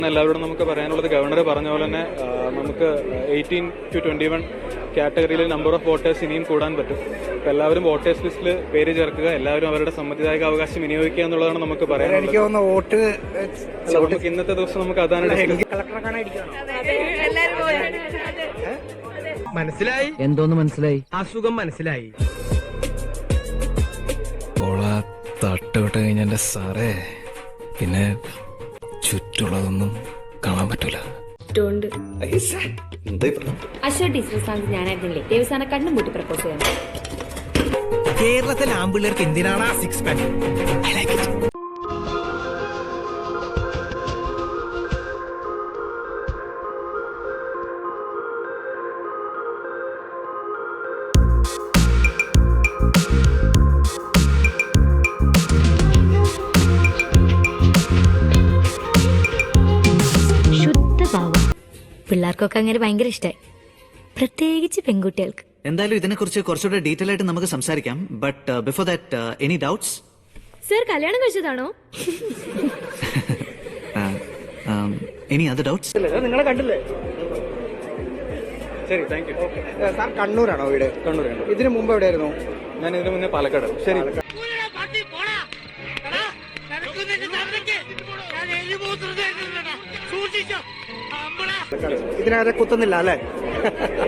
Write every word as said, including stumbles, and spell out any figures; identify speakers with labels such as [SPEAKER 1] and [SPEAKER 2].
[SPEAKER 1] എല്ലാവരോടും നമുക്ക് പറയാനുള്ളത് ഗവർണർ പറഞ്ഞ പോലെ തന്നെ നമുക്ക് എയ്റ്റീൻ ടു ട്വന്റി വൺ കാറ്റഗറിയിൽ നമ്പർ ഓഫ് വോട്ടേഴ്സ് ഇനിയും കൂടാൻ പറ്റും. അപ്പം എല്ലാവരും വോട്ടേഴ്സ് ലിസ്റ്റിൽ പേര് ചേർക്കുക, എല്ലാവരും അവരുടെ സമ്മതിദായക അവകാശം വിനിയോഗിക്കുക എന്നുള്ളതാണ് നമുക്ക് പറയാനുള്ളത്.
[SPEAKER 2] വോട്ട്
[SPEAKER 1] നമുക്ക് ഇന്നത്തെ ദിവസം നമുക്ക് അതാണ്
[SPEAKER 3] മനസ്സിലായി.
[SPEAKER 4] എന്തോന്ന് മനസ്സിലായി?
[SPEAKER 3] അസുഖം മനസ്സിലായി.
[SPEAKER 5] തട്ടുവിട്ട് കഴിഞ്ഞ എന്റെ സാറേ പിന്നെ ചുറ്റുള്ളതൊന്നും കാണാൻ പറ്റൂല.
[SPEAKER 6] അശ്വ ടീച്ചർ സ്ഥാനത്ത് ഞാനായിരുന്നില്ലേ ദേവസ്ഥാന കണ്ണും പൂട്ടി പ്രപ്പോസ് ചെയ്യാൻ.
[SPEAKER 3] കേരളത്തിലെ ആമ്പിള്ളേർക്ക് എന്തിനാണ് ആ സിക്സ് പാക്ക്?
[SPEAKER 6] പിള്ളേർക്കൊക്കെ അങ്ങനെ ഭയങ്കര ഇഷ്ടമായി, പ്രത്യേകിച്ച് പെൺകുട്ടികൾക്ക്.
[SPEAKER 2] എന്തായാലും ഇതിനെക്കുറിച്ച് കുറച്ചുകൂടെ ഡീറ്റെയിൽ ആയിട്ട് നമുക്ക് സംസാരിക്കാം. But before that any doubts?
[SPEAKER 6] Sir കല്യാണം കഴിച്ചതാണോ?
[SPEAKER 2] Any other doubts?
[SPEAKER 1] നിങ്ങളെ കണ്ടില്ലേ? ശരി, താങ്ക് യു.
[SPEAKER 7] സാർ കണ്ണൂരാണോ വീട്?
[SPEAKER 1] കണ്ണൂർ.
[SPEAKER 7] ഇതിനു മുമ്പ് എവിടെയായിരുന്നു?
[SPEAKER 1] ഞാൻ ഇതിനു മുന്നേ പാലക്കാട്. ശരി.
[SPEAKER 7] ഇതിനകത്ത് കുത്തുന്നില്ല അല്ലേ?